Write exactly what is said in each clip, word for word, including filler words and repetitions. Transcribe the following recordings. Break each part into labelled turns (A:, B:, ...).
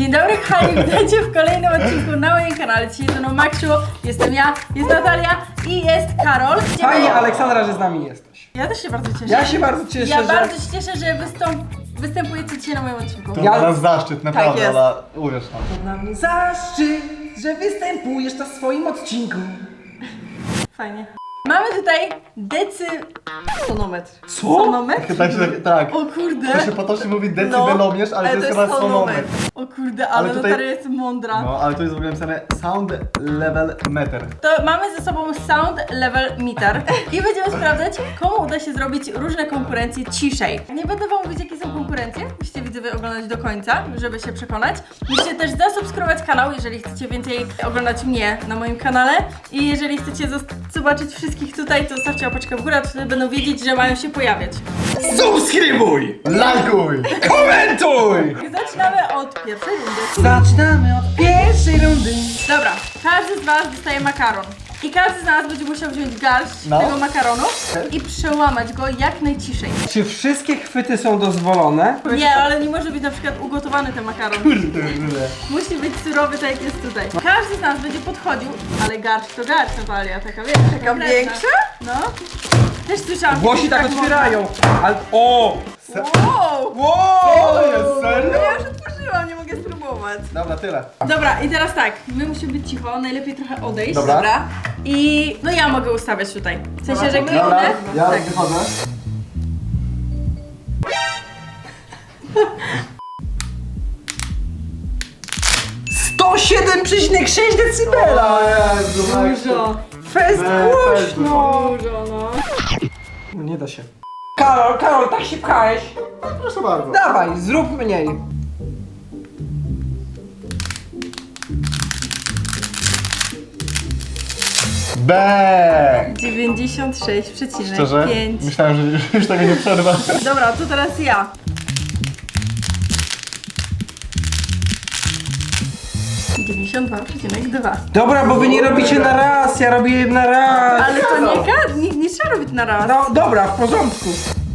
A: Dzień dobry kochani, witajcie w kolejnym odcinku na moim kanale. Dzisiaj ze mną Maksiu, jestem ja, jest Natalia i jest Karol.
B: Fajnie, Aleksandra, że z nami jesteś.
A: Ja też się bardzo cieszę.
B: Ja się bardzo cieszę,
A: Ja
B: że...
A: bardzo się cieszę, że wystąp... występujecie dzisiaj na moim odcinku.
C: To
B: Ja-
C: dla nas zaszczyt, naprawdę,
A: jest.
C: ale uwierz nam.
B: To dla mnie zaszczyt, że występujesz na swoim odcinku.
A: Fajnie. Mamy tutaj decy... sonometr.
B: Co?
A: Sonometr?
C: Tak, się, tak.
A: O kurde.
C: To się potocznie mówi decybelomierz, ale, to jest chyba sonometr.
A: O kurde, ale,
C: Ale tutaj-
A: Natalia jest mądra.
C: No, ale to jest w ogóle napisane sound level meter.
A: To mamy ze sobą sound level meter i będziemy sprawdzać, komu uda się zrobić różne konkurencje ciszej. Nie będę wam mówić, jakie są konkurencje, musicie widzowie oglądać do końca, żeby się przekonać. Musicie też zasubskrybować kanał, jeżeli chcecie więcej oglądać mnie na moim kanale i jeżeli chcecie zos- zobaczyć wszystkich tutaj, to zostawcie łapeczkę w górę, to wtedy będą wiedzieć, że mają się pojawiać.
B: Subskrybuj!
C: Lajkuj!
B: Komentuj!
A: I zaczynamy od pierwszej rundy.
B: Zaczynamy od pierwszej rundy.
A: Dobra, każdy z was dostaje makaron. I każdy z nas będzie musiał wziąć garść
C: No.
A: tego makaronu i przełamać go jak najciszej.
B: Czy wszystkie chwyty są dozwolone?
A: Nie, ale nie może być na przykład ugotowany ten makaron. Musi być surowy, tak jak jest tutaj. Każdy z nas będzie podchodził, ale garść to garść, Natalia, taka wiesz, taka
D: Taka większa?
A: No. Też słyszałam.
B: Włosi
A: że
B: tak otwierają, ale... O!
D: Wow!
B: Wow!
C: To jest serio?
D: No ja już otworzyłam, nie mogę spróbować.
C: Dobra, tyle.
A: można. Dobra, i teraz tak, my musimy być cicho, najlepiej trochę odejść.
C: Dobra.
D: Dobra.
A: I no ja mogę ustawiać tutaj. W sensie, że
C: Dobra,
A: kliknę.
C: ja
A: Tak.
C: wychodzę.
B: sto siedem przecinek sześć decybela!
C: Jezu,
A: Dużo.
B: Fest głośno!
A: Dużo, no.
B: No nie da się. Karol, Karol, tak się pchałeś.
C: Proszę bardzo.
B: Dawaj, zrób mniej.
C: Bang!
A: dziewięćdziesiąt sześć przecinek
C: Szczerze?
A: pięć.
C: Myślałem, że już, już tego nie przerwę.
A: Dobra, to teraz ja. dziewięćdziesiąt dwa przecinek dwa.
B: Dobra, bo wy nie robicie na raz, ja robię na raz.
A: Ale to nie, ka- nie, nie trzeba robić na raz.
B: No dobra, w porządku.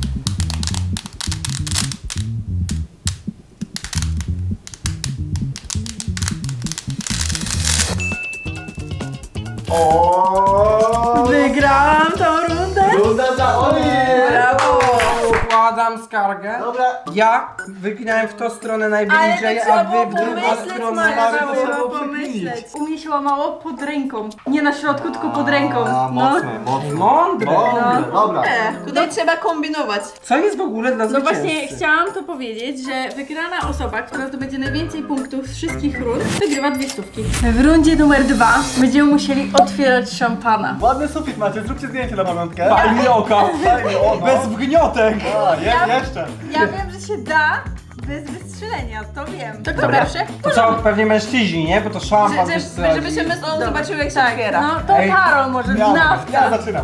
C: O!
A: Wygrałam tą rundę.
C: Runda dla Oli!
D: Brawo!
B: Składam skargę.
C: Dobra.
B: Ja wyginałem w tą stronę
A: Ale
B: najbliżej,
A: to trzeba
B: a
A: było
B: wy w drugą
A: pomyśleć,
B: stronę.
A: Maja,
C: Stary,
A: trzeba
C: to trzeba
A: było
C: było
A: pomyśleć. U mnie się łamało pod ręką. Nie na środku, tylko pod ręką.
C: A,
A: No.
C: mocne, mocne.
B: Mądre.
C: Mądre,
A: No.
C: dobra.
D: E, tutaj trzeba kombinować.
B: Co jest w ogóle dla
A: No
B: zwycięzcy?
A: właśnie chciałam to powiedzieć, że wygrana osoba, która zdobędzie najwięcej punktów z wszystkich rund, wygrywa dwie stówki. W rundzie numer dwa będziemy musieli otwierać szampana.
C: Ładny sufit macie, zróbcie zdjęcie na pamiątkę.
B: Fajnie oka.
C: Fajnie, o, no.
B: Bez wgniotek.
C: A, je,
A: Ja-
C: jeszcze.
A: Ja wiem, że się da bez wystrzelenia, to wiem. To kto
B: Dobra.
A: pierwszy?
B: To co, pewnie mężczyźni, nie? Bo to szampan
D: Że,
B: też
D: że, żebyśmy z on zobaczyły jak się otwiera.
A: No to
B: Ej.
A: Karol może,
C: Ja,
A: znawca.
C: ja zaczynam.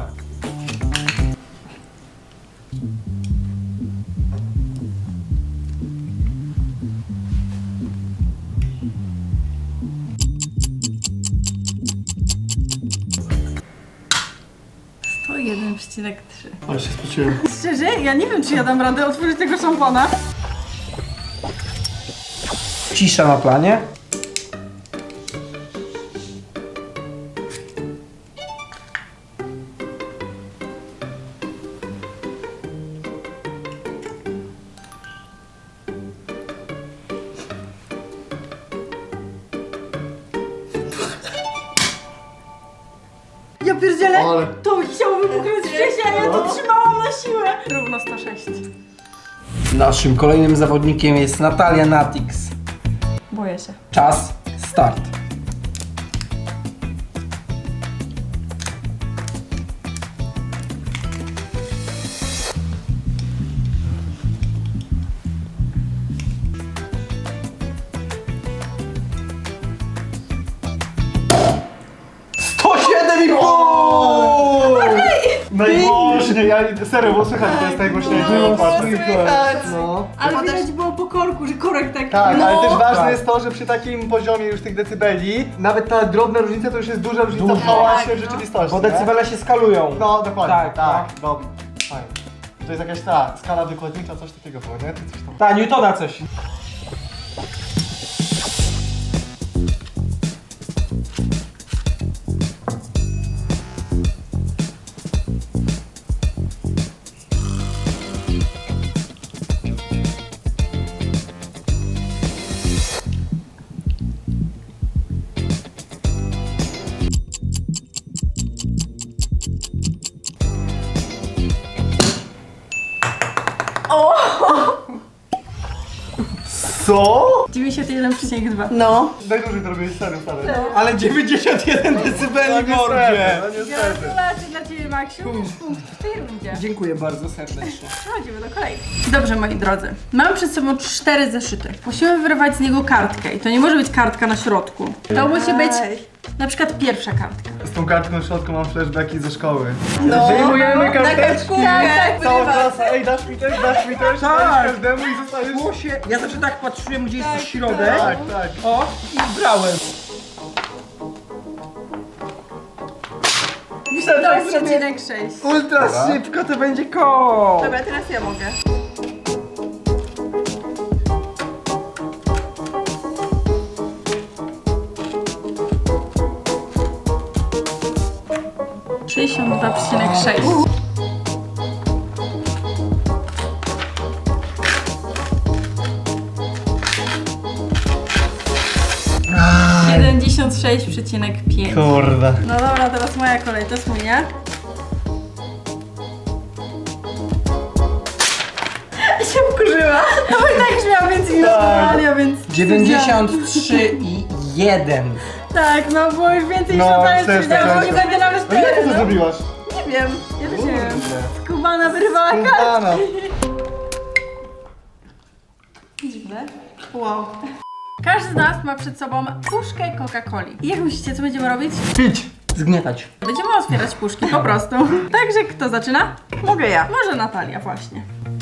A: sto jeden przecinek trzy.
C: Ale się spociłem.
A: Szczerze, ja nie wiem, czy ja dam radę otworzyć tego szampana.
B: Cisza na planie.
A: Ja pierdzielę,
C: Ale-
A: to chciało wybuchnąć wcześniej, a ja to trzymałam na siłę. Równo sto sześć.
B: Naszym kolejnym zawodnikiem jest Natalia Natix.
A: Boję się.
B: Czas, start. sto siedem i pół!
C: Najgłośniej, ja serio, bo słychać, to jest najgłośniejsze.
D: No,
C: Patrz.
D: słychać.
C: No.
A: Ale
D: Potem-
A: widać było po korku, że korek tak...
C: Tak,
D: No,
C: ale też ważne
B: tak.
C: jest to, że przy takim poziomie już tych decybeli, nawet ta drobna różnica to już jest duża różnica w hałasie
D: Tak,
C: w
D: no.
C: rzeczywistości.
B: Bo
C: nie?
B: decybele się skalują.
C: No, dokładnie,
B: Tak,
C: tak, tak. Dobra, fajnie. To jest jakaś ta skala wykładnicza, coś takiego było, nie? Czy coś tam.
B: Ta, Newtona coś.
C: Co?
A: dziewięćdziesiąt jeden przecinek dwa.
D: No.
C: Najdłużej to robisz serio, stary.
B: Ale dziewięćdziesiąt jeden decybeli, mordzie!
C: No niestety.
A: Gratulacje dla Ciebie, Maksiu. Punkt w tej rundzie.
B: Dziękuję bardzo serdecznie.
A: Przechodzimy do kolejki. Dobrze, moi drodzy. Mam przed sobą cztery zeszyty. Musimy wyrwać z niego kartkę i to nie może być kartka na środku. To musi być na przykład pierwsza kartka.
C: Z tą kartką w środku mam flashbacki ze szkoły.
D: No.
C: Wyjmujemy
D: Na
C: karteczki.
D: kartkówkę.
C: Cała
D: Wyrywa.
C: klasa, ej dasz mi też, dasz mi też,
B: Tak.
C: dasz każdemu i zostajesz...
B: Się, ja zawsze tak patrzyłem, gdzie jest środek.
C: Tak, tak.
B: O, i brałem.
A: To przecinek sześć.
B: Ultra szybko to będzie koło.
D: Dobra, teraz ja mogę.
A: sześćdziesiąt dwa przecinek sześć. siedemdziesiąt sześć przecinek pięć.
C: Kurde.
A: No dobra, teraz moja kolej, to jest mój, nie? się wkurzyła. No bo i tak już miała więcej niż Natalia, więc...
B: dziewięćdziesiąt trzy i jeden.
A: Tak, no było już więcej niż
C: No,
A: Natalia,
C: też
A: powiedziałam,
C: tak
A: że nie
C: jest.
A: będę nawet
C: No jak ty to
A: no.
C: zrobiłaś?
D: Nie wiem.
A: Ja też nie wiem. Skubana wyrwała kartę.
C: Skubana.
A: Dziwne. Wow. Każdy z nas ma przed sobą puszkę Coca-Coli. I jak myślicie, co będziemy robić?
C: Pić.
B: Zgniatać.
A: Będziemy otwierać puszki, po prostu. Także kto zaczyna?
D: Mogę ja.
A: Może Natalia właśnie.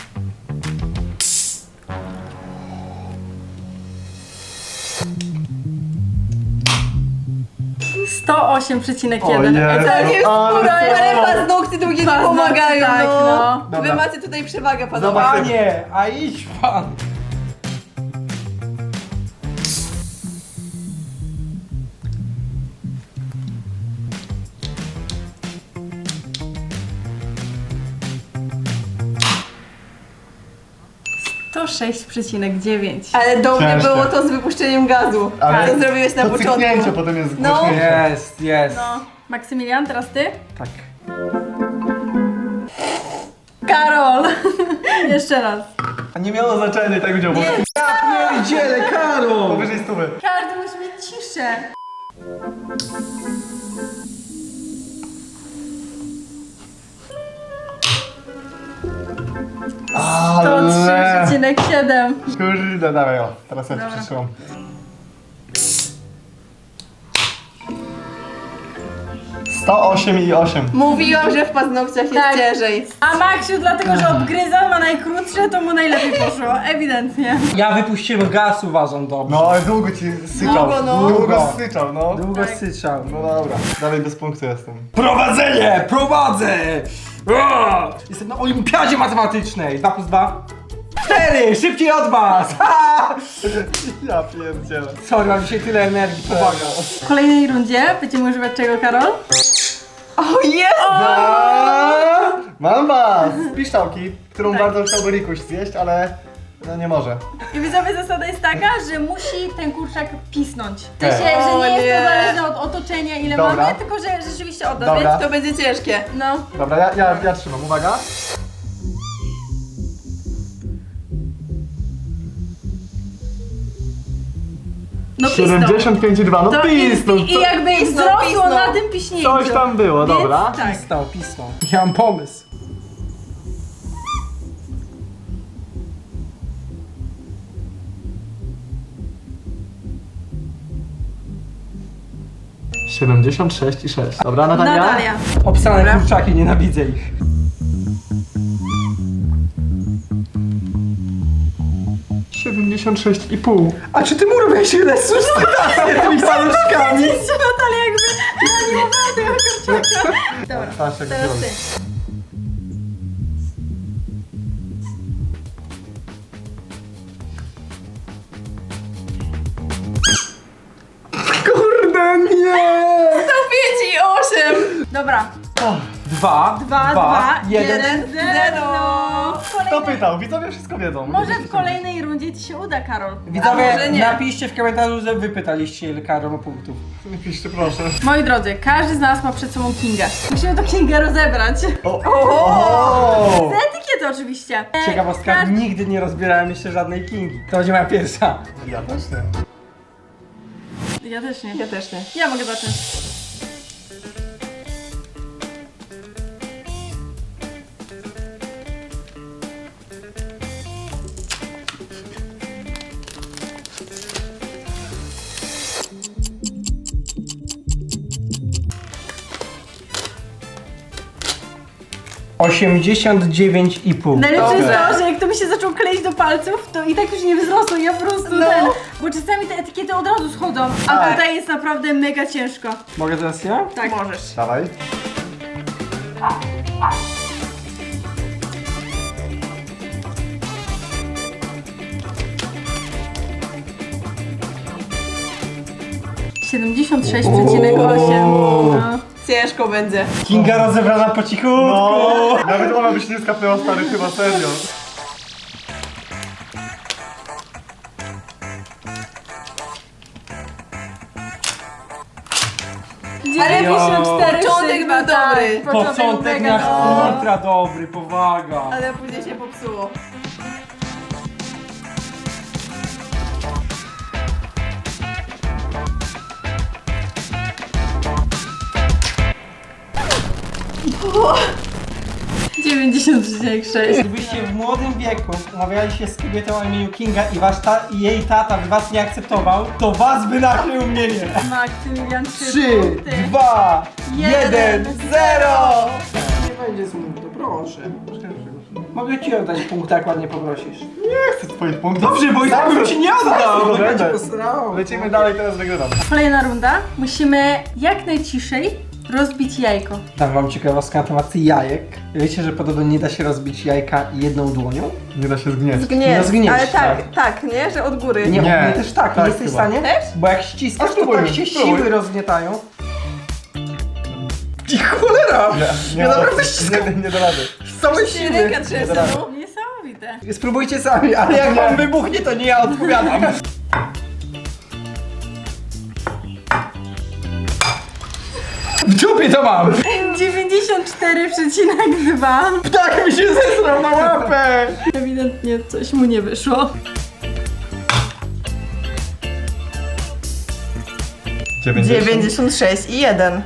A: sto osiem przecinek jeden.
C: O Jezu.
D: Tak jest,
C: Ale
D: skóra, ale
C: co?
D: paznokcie drugie nie
A: Paznokcie,
D: pomagają,
A: tak,
D: no.
A: no.
D: Wy
C: Dobra.
D: macie tutaj przewagę paznokci.
C: Zobacz.
B: Panie, a idź pan.
A: sto sześć przecinek dziewięć.
D: Ale do mnie
C: Ciężkie.
D: było to z wypuszczeniem gazu.
C: Ale
D: Co zrobiłeś na
C: to
D: początku.
C: cyknięcie potem jest
D: No.
C: głośniejsze.
B: Jest, jest.
A: No, Maksymilian, teraz ty?
B: Tak.
A: Karol! Jeszcze raz.
C: A nie miało znaczenia i tak będzie obok.
B: Pierdziele, Karol!
C: Powyżej stówy.
A: Każdy musi mieć ciszę. sto trzy
C: Ale...
A: przecinek siedem.
C: Kurde, dawaj o. Teraz ja
A: Dobra.
C: ci przytrzymam. sto osiem i osiem.
D: Mówiłam, że w paznokciach jest
A: Tak.
D: ciężej.
A: A Maksiu, dlatego że odgryzał, ma najkrótsze, to mu najlepiej poszło. Ewidentnie.
B: Ja wypuściłem gaz, uważam, dobrze.
C: No, ale długo ci syczał.
D: Długo, no.
C: Długo syczał, no.
B: Długo
A: Tak.
B: syczał.
C: No dobra, dalej bez punktu jestem.
B: Prowadzenie! Prowadzę! O! Jestem na olimpiadzie matematycznej. dwa plus dwa? cztery! Szybciej od was! Ha!
C: Ja pierdzielę.
B: Sorry, mam dzisiaj tyle energii, powaga.
A: W kolejnej rundzie będziemy używać czego, Karol?
D: O jest!
C: A, mam was! Piszczałki, którą
A: Tak.
C: bardzo chciałby Rikuś zjeść, ale no nie może.
A: I widzowie, zasada jest taka, że musi ten kurczak pisnąć. W sensie,
C: Okej.
A: że nie
D: O
A: jest
D: nie.
A: to zależne od otoczenia, ile
C: Dobra.
A: mamy, tylko że rzeczywiście oddać.
C: Dobra.
D: To będzie ciężkie.
A: No.
C: Dobra, ja, ja, ja trzymam, uwaga.
A: No pisnął.
C: siedemdziesiąt pięć i dwa, no
A: To
C: pisnął.
A: i, I jakby
D: Pisnął,
A: wzrosło
D: pisnął.
A: na tym piśnięciu.
C: Coś tam było,
A: Więc
C: dobra.
A: Tak.
B: Pisnął, pisnął. Ja mam pomysł.
C: siedemdziesiąt sześć i sześć. Dobra, Natalia?
A: Natalia.
B: Obsane kurczaki, nienawidzę ich.
C: siedemdziesiąt sześć i pół.
B: A czy ty mu robiłeś ile sustynację tymi paluszkami?
A: Widzicie, Natalia jakby reanimowała tego kurczaka. Dobra,
C: Patrz, jak
A: teraz
C: zrobił.
A: ty.
B: Kurde, nie!
D: sto pięć i osiem.
A: Dobra.
B: Dwa,
A: Dwa, dwa,
B: jeden.
A: jeden, zero.
C: Kto
A: Kolejny-
C: pytał? Widzowie wszystko wiedzą.
A: Może w kolejnej rundzie ci się uda, Karol. A
B: Widzowie,
A: może nie.
B: napiszcie w komentarzu, że wy pytaliście, ile Karol ma punktów.
C: Nie piszcie, proszę.
A: Moi drodzy, każdy z nas ma przed sobą Kingę. Musimy to Kingę rozebrać.
C: O! O!
A: Z etykietką faworyty oczywiście. E,
B: Ciekawostka,
A: każdy-
B: nigdy nie rozbierałem jeszcze żadnej Kingi. To będzie moja pierwsza.
C: Ja też nie.
A: Ja też nie.
D: Ja też nie.
A: Ja mogę zacząć.
B: osiemdziesiąt dziewięć i pół.
A: Najlepsze jest
D: Dobrze.
A: to, że jak to mi się zaczął kleić do palców, to i tak już nie wzrosło, ja po prostu
D: No.
A: ten... Bo czasami te etykiety od razu schodzą, a
C: Tak.
A: tutaj jest naprawdę mega ciężko.
B: Mogę teraz ja?
A: Tak.
D: Możesz.
C: Dawaj.
A: siedemdziesiąt sześć przecinek osiem. No.
D: Ciężko będzie.
B: Kinga rozebrana po cichutku.
C: No, nawet ona by się nie skapnęła, stary, chyba serio.
A: dziewięćdziesiąt cztery
D: Początek
A: szygma,
D: był dobry.
A: tak.
B: Początek
A: mega
B: nasz
A: dobry.
B: ultra dobry, powaga.
D: Ale później się popsuło.
A: dziewięćdziesiąt przecinek sześć.
B: Gdybyście w młodym wieku umawiali się z kobietą o imieniu Kinga i wasz ta i jej tata by was nie akceptował, to was by nakrył mnie nie.
A: Maksymilian trzy
B: trzy,
A: punkty.
B: dwa, jeden,
A: Jeden,
B: zero! Nie będzie smutno, proszę. Mogę ci oddać punkt, jak ładnie poprosisz.
C: Nie chcę twoich punktów.
B: Dobrze, bo i tak bym ci nie oddał,
C: Zawsze
B: bo
C: to
B: będzie
C: będę.
B: posrał.
C: Lecimy dalej, teraz wygrywam.
A: Kolejna runda. Musimy jak najciszej rozbić jajko.
B: Dam wam ciekawostkę na temat jajek. Wiecie, że podobno nie da się rozbić jajka jedną dłonią?
C: Nie da się zgnieć.
D: Zgnieć.
B: No zgnieć,
D: Ale tak,
B: tak.
D: tak, nie? Że od góry.
B: Nie,
C: Nie.
B: nie też tak,
C: Tak
B: nie jesteś w
C: chyba.
B: stanie?
D: Też?
B: Bo jak ściskasz,
C: A
B: to
C: spróbuj,
B: tak się
C: spróbuj.
B: siły rozgnietają. I cholera!
C: Nie,
B: Ja
C: ma-
B: naprawdę ściskam
C: nie, nie da rady.
B: z całej
D: Ci
B: siły.
D: ręka trzęsę, no.
A: Niesamowite.
B: Spróbujcie sami, ale jak wam wybuchnie, to nie ja odpowiadam. W dupie to mam!
A: dziewięćdziesiąt cztery przecinek dwa.
B: Ptak mi się zesrał na łapę!
A: Ewidentnie coś mu nie wyszło.
D: dziewięćdziesiąt sześć i jeden.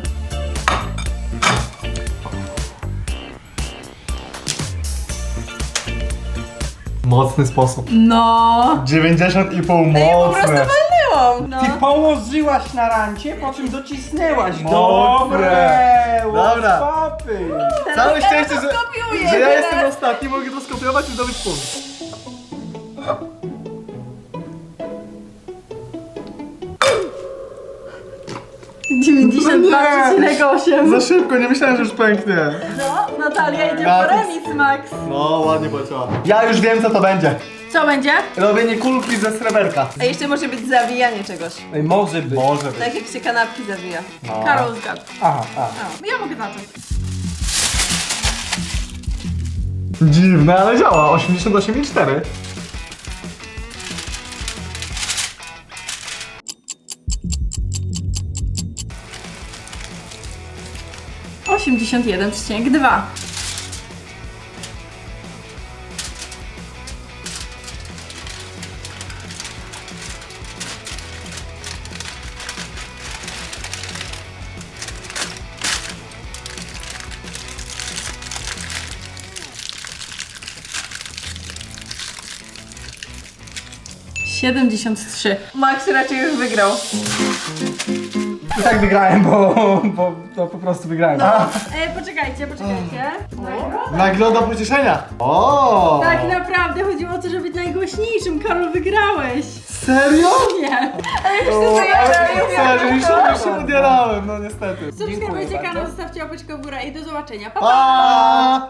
C: Mocny sposób.
A: No.
C: dziewięćdziesiąt i pół,
D: Ej, po prostu
C: mocne.
D: walnęłam.
A: No.
B: Ty położyłaś na rancie, po czym docisnęłaś.
C: Mocne.
B: Dobre!
C: Dobra.
B: Łapy.
C: Całe
D: Ja
C: szczęście,
D: to
C: że,
D: skopiuję
C: że ja
D: teraz.
C: jestem ostatni, mogę to skopiować i zdobyć punkt.
A: dziewięćdziesiąt dwa przecinek osiem.
C: Za szybko, nie myślałem, że już pęknie.
A: No, Natalia idzie
C: Ja
A: po
C: to-
A: remis, Max.
C: No, ładnie poleciała. Ja już wiem, co to będzie.
A: Co będzie?
C: Robienie kulki ze sreberka.
D: A jeszcze może być zawijanie czegoś.
B: Ej, może być.
C: Może być.
D: Tak jak się kanapki zawija.
C: No.
A: Karol zgadł.
B: Aha, aha.
A: No, ja mogę zacząć.
C: Dziwne, ale działa. osiemdziesiąt osiem i cztery.
A: osiemdziesiąt jeden przecinek dwa. siedemdziesiąt trzy.
D: Max raczej już wygrał.
B: I tak wygrałem, bo, bo to po prostu wygrałem.
A: No. E, poczekajcie, poczekajcie. Nagroda?
C: Nagroda pocieszenia. O!
A: Tak naprawdę chodziło o to, żeby być najgłośniejszym. Karol, wygrałeś.
C: Serio?
A: Nie.
C: O,
D: ja
C: ale
D: miałem
C: serio, już się, już się udierałem, no niestety.
A: Subskrybujcie
B: Dziękuję
A: kanał,
B: bardzo.
A: zostawcie łapeczkę w górę i do zobaczenia. Pa, pa!
C: Pa!